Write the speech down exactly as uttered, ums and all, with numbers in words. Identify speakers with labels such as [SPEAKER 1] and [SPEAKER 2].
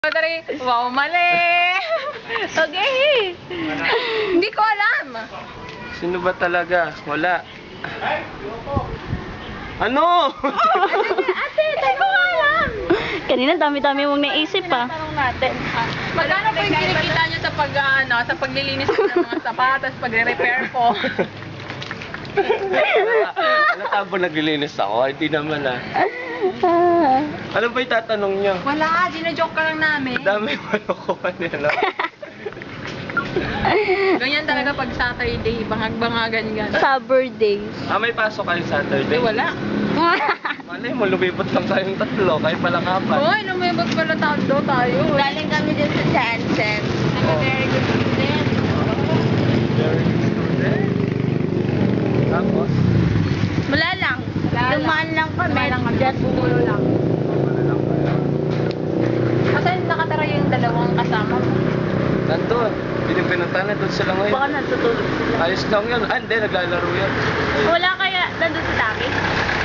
[SPEAKER 1] Dari, wow, mali! Okay. Hindi ko alam.
[SPEAKER 2] Sino ba talaga? Wala. Ano?
[SPEAKER 1] Ate, hindi ko alam.
[SPEAKER 3] Kanina dami-dami mong naisip pa.
[SPEAKER 1] Tanong natin. Magkano po yung kinikita nyo sa pag, ano, sa paglilinis ko ng mga sapatos, pagre-repair ko?
[SPEAKER 2] Ano tabo naglilinis ako? Hindi naman ah. Ano ba yung tatanong niyo?
[SPEAKER 1] Wala, gina-joke ka lang namin.
[SPEAKER 2] Dami mo nakuha nila.
[SPEAKER 1] Ganyan talaga pag Saturday, bangag-bangagan gano'n.
[SPEAKER 3] Summer days.
[SPEAKER 2] Ah, may pasok kayo Saturday?
[SPEAKER 1] Eh, wala.
[SPEAKER 2] Malay mo, lumipot lang tayong tatlo, kahit pala kapat.
[SPEAKER 1] Hoy, lumibot pala tando tayo.
[SPEAKER 3] Galing kami din sa Jansen.
[SPEAKER 1] Very good student.
[SPEAKER 2] Very good student. Tapos?
[SPEAKER 3] Wala lang.
[SPEAKER 1] Wala lang.
[SPEAKER 3] Dumaan lang kami.
[SPEAKER 1] Wala lang kami.
[SPEAKER 3] Just
[SPEAKER 1] Bumulo lang.
[SPEAKER 2] Wala lang kayo.
[SPEAKER 1] Kasi nakatara yung dalawang kasama mo.
[SPEAKER 2] Nandun. Pinipinuntahan na doon sila ngayon.
[SPEAKER 3] baka natutulog sila.
[SPEAKER 2] Ayos lang yun. Ah, hindi. Naglalaro yan.
[SPEAKER 3] Wala kaya nandun si Taki?